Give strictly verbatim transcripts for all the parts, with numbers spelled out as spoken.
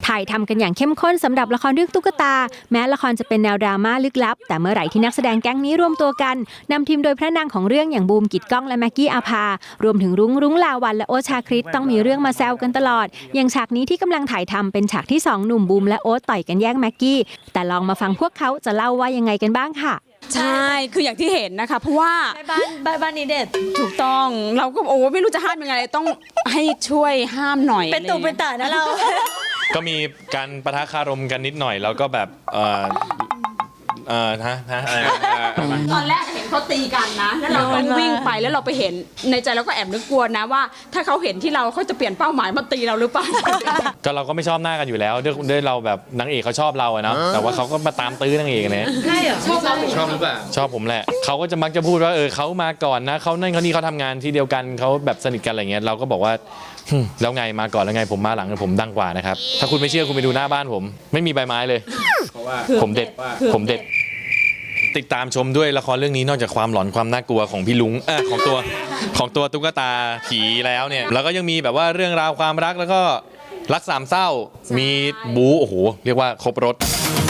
ถ่ายทำกันอย่างเข้มข้นสำหรับละครเรื่องตุ๊กตาแม้ละครจะเป็นแนวดราม่าลึกลับแต่เมื่อไหร่ที่นักแสดงแก๊งนี้รวมตัวกันนำทีมโดยพระนางของเรื่องอย่างบูมกิตก้องและแม็กกี้อาภารวมถึงรุ้งรุ้งลาวันและโอ๊ตชาคริตต้องมีเรื่องมาแซวกันตลอดอย่างฉากนี้ที่กำลังถ่ายทำเป็นฉากที่สองหนุ่มบูมและโอ๊ตต่อยกันแย่งแม็กกี้แต่ลองมาฟังพวกเขาจะเล่าว่ายังไงกันบ้างค่ะใช่คืออย่างที่เห็นนะคะเพราะว่าบ้านบ้านบ้านนี้เด็ดถูกต้องเราก็โอ้ไม่รู้จะห้ามยังไงต้องให้ช่วยห้ามหน่อยเป็นตุเป็นตานะเราก็มีการปะทะคารมกันนิดหน่อยแล้วก็แบบเออเออฮะฮะตอนแรกเห็นเขาตีกันนะแล้วเราต้องวิ่งไปแล้วเราไปเห็นในใจเราก็แอบนึกกลัวนะว่าถ้าเขาเห็นที่เราเขาจะเปลี่ยนเป้าหมายมาตีเราหรือเปล่าก็เราก็ไม่ชอบหน้ากันอยู่แล้วด้วยด้วยเราแบบนางเอกเขาชอบเราอะเนาะแต่ว่าเขาก็มาตามตื้อนางเอกเนี่ยใช่เหรอชอบเราชอบหรือเปล่าชอบผมแหละเขาก็จะมักจะพูดว่าเออเขามาก่อนนะเขานั่นเขานี่เขาทำงานที่เดียวกันเขาแบบสนิทกันอะไรเงี้ยเราก็บอกว่าแล้วไงมาก่อนแล้วไงผมมาหลังผมดังกว่านะครับถ้าคุณไม่เชื่อคุณไปดูหน้าบ้านผมไม่มีใบไม้เลยผมเด็ดผมเด็ดติดตามชมด้วยละครเรื่องนี้นอกจากความหลอนความน่ากลัวของพี่ลุงเออของตัวของตัวตุ๊กตาผีแล้วเนี่ยแล้วก็ยังมีแบบว่าเรื่องราวความรักแล้วก็รักสามเศร้ามีบู๊โอ้โหเรียกว่าครบรถ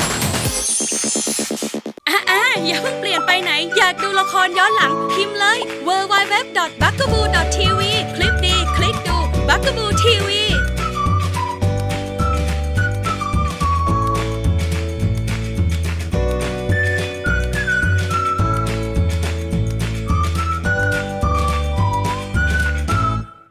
อ่าอย่าเพิ่งเปลี่ยนไปไหนอยากดูละครย้อนหลังพิมพ์เลย ดับเบิลยู ดับเบิลยู ดับเบิลยู ดอท บักกะบู ดอท ที วี